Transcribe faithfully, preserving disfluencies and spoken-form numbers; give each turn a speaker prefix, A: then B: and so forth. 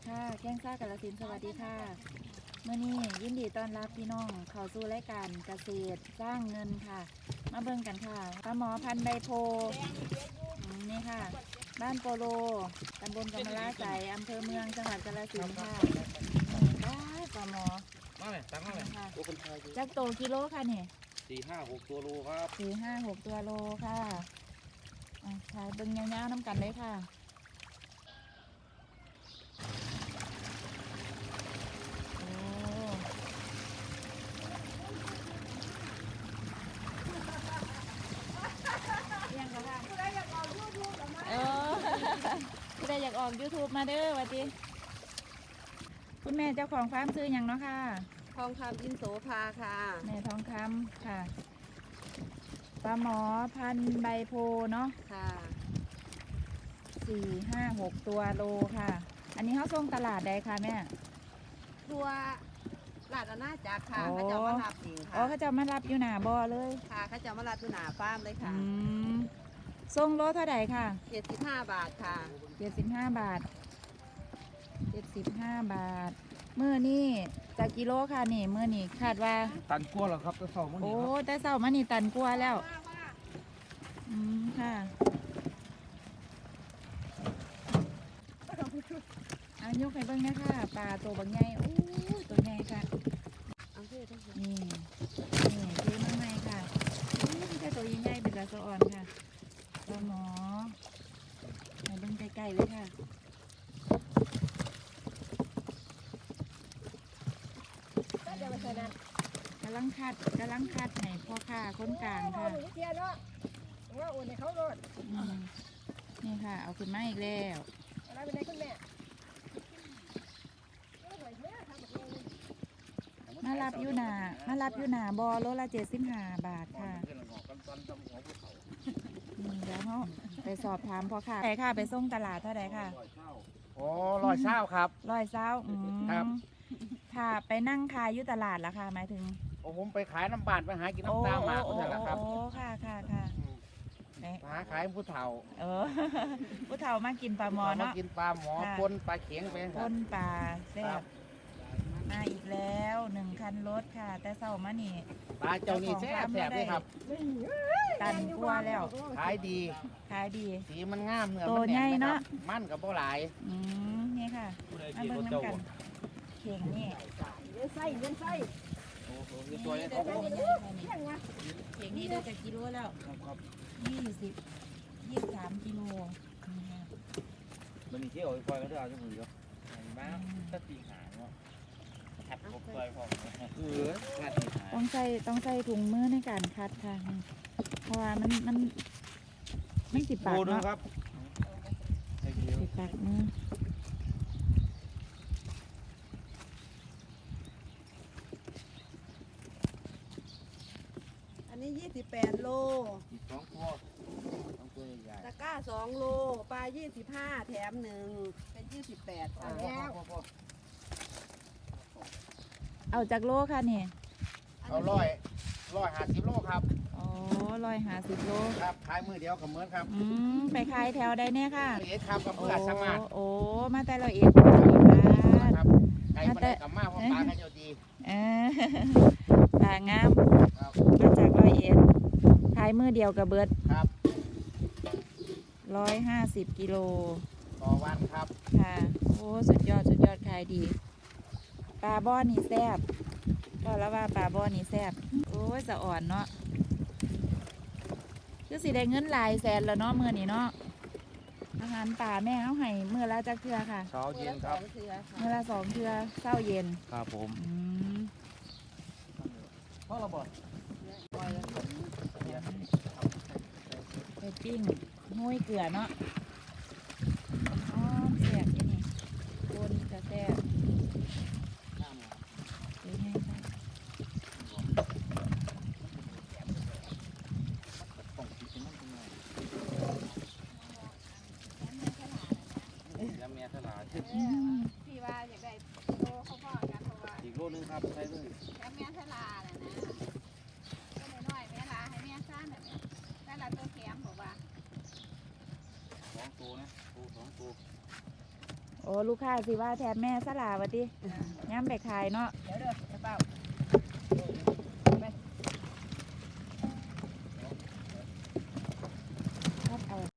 A: ค่ะแก้งซ่ากาฬสินธุ์สวัสดีค่ะเมื่อนี้ยินดีต้อนรับพี่น้องเข้าสู่รายการเกษตรสร้างเงินค่ะมาเบิ่งกันค่ะปลาหมอพันธุ์ใบโพนี่ค่ะบ้านโปโลตำบลกำมะลาใสอำเภอเมืองจังหวัดกาฬสินธุ์ค่ะได้ปลาหมอ
B: มาเลยตั้งมาเลย
A: จักโตกิโลค่ะนี่
B: สี่ห้าหกตัวโลครับ
A: สี่ห้าหกตัวโลค่ะอ่ะถ่ายเบิ่งยาวๆน้ำกันเลยค่ะเออผู้ใดอยากออก ยูทูบ มาเด้อวัดดีคุณแม่เจ้าของฟาร์มซื้ออย่างเนาะค่ะ
C: ทองคำอินโสภาค่ะ
A: แม่ทองคำค่ะปลาหมอพันใบโพเนาะ
C: ค่ะ
A: สี่ห้าหกตัวโลค่ะอันนี้เขาส่งตลาดใดคะแม่
C: ทัวลาดอาณาจักรค่ะเขาจะมารับเองค่ะ
A: อ๋อเขาจะมารับอยู่หน้าบ่อเลย
C: ค่ะเขาจะมารับอยู่หน้าฟาร์มเลยค่ะ
A: อืมส่งโลเท่าไหร่ค่ะ
C: เจ็ดสิบห้าบาทค่ะ
A: เจ็ดสิบห้าบาทเจ็ดสิบห้าบาทเมื่อนี่จากกิโลค่ะนี่เมื่อนี่คาดว่า
B: ตันกลัวเหรอครับจะเศร้ามั้ง
A: โอ้แต่เศร้ามานี่ตันกลัวแล้วอืมค่ะอายกให้เบิ่งนะค่ะปลาตัวบางใหญ่โอ้ตัวใหญ่ค่ะนี่นี่ซื้อมาใหม่ค่ะนี่แต่ตัวใหญ่ๆเป็นปลาสะอ่อนค่ะปลาหมอให้เบิ่งใกล้ๆเลยค่ะกำลังคัดกำลังคัดให้พ่อค้าคนกลางค่ะนี่ค่ะเอาขึ้นมาอีกแล้วมารับยูนามารับยูนาบอโลละเจ็ดสิบห้าบาทค่ะเดี๋ยวเขาไปสอบถามพ่อค้าไหนค่ะไปส่งตลาดเท่าไหร่ค่ะ
B: โอ้ร้อยเศร้าครับ
A: ร้อยเศร้าครับค่ะไปนั่งขายอยู่ตลาดละค่ะหมายถึง
B: โอ้ผมไปขายน้ำบานไปหากินน้ำตาหมาก็ได้ละครับ
A: โอ้ค่ะค่ะค่ะ
B: หาขายผู้เฒ่า
A: เออผู้เฒ่ามากินปลาหมอเนาะ
B: มากินปลาหมอปนปลาเข็งไป
A: ปนปลาแซ่บมาอีกแล้วหนึ่งคันรถค่ะแต่เศร้ามานี่
B: ปลาเจ้านี่แซ่บแซ่บเลยครับ
A: ตันกลัวแล้ว
B: ขายดี
A: ขายดี
B: สีมันงามเนื้อ
A: มันแน่นเนาะ
B: มันกับบ่หลาย
A: อืมนี่ค่ะมาเบิ่งน้ำกันเข่งนี่
C: เลี้ยงไส้เลี้ยงไส้
B: โอ้โหตัวนี้
A: เข่งนี่ได้จากกิโลแล้วยี่สิบยี่สิบสามกิโล
B: มันมีเที่ยวปล่อยก็ได้เอาจังหวะเดียวมาตัดตีหางเนาะขัดกบปล่อยพอเออขัดตีหาง
A: ต้องใส่ต้องใส่ถุงมือในการคัดค่ะเพราะว่ามันมันมันสิบปากเนาะสิบปากมือ
C: อันนี้ยี่สิบแปดโล
B: สองตัวสองตัวใหญ่
C: ตะกร้าสองโลปลายี่สิบห้าแถมหนึ่งเป็นยี่สิบแปดค่ะแล้ว
A: เอาจากโลค่ะนี่
B: เอาร้อยร้อยห้าสิบโลครับ
A: อ๋อร้อยห้าสิบโล
B: ครับขายมือเดียวกับเหมือนครับ
A: อืมไปขายแถวใดเนี่ยค่ะ
B: เอ็ดครับกับเพื่อนสมัคร
A: โอ้มาแต่เราเอ็ด
B: ครับไก่มาได้กับมาเพราะปลาเขาจะดี
A: เออปลางามมาจากร้อยเอ็ดขายมือเดียวกับเบิร์ด
B: ครับ
A: ร้อยห้าสิบกิโล
B: ต่อวันครับ
A: ค่ะโอ้สุดยอดสุดยอดขายดีปลาบ่อนี่แซ่บก็แล้วว่าปลาบ่อนี่แซ่บโอ้ยสะอ่อนเนาะคือสิได้เงินหลายแสนแล้วเนาะมือนี่เนาะอาหารป่าแม่เขาให้มือละจักเทือค่ะ
B: เช้าเย็นครับ
A: มือละสองเทือเช้าเย็น
B: ครับผมพ่อเราบอก
A: ไปปิ้งห้วยเกลือเนาะอ๋อแซ่บที่นี่โคนจะแซ่บเป็นไงคะ
C: พี่ว่าอยากได้โลเขาพ่อกันเพราะว่า
B: อีกโลนึงครับใช่เลย
C: แม่แม่ทลาน่ะนะก็น้อยแม่ลาให้แม่ซ่านน่ะแม่ลาตัวแข็มบอกว่า
B: สองตัวนะตัวสองตัว
A: โอ้ลูกค้าสิว่าแทนแม่สลาวะติย้ำไปขายเนาะ
C: เดี๋ยวเด้อจะเปล่า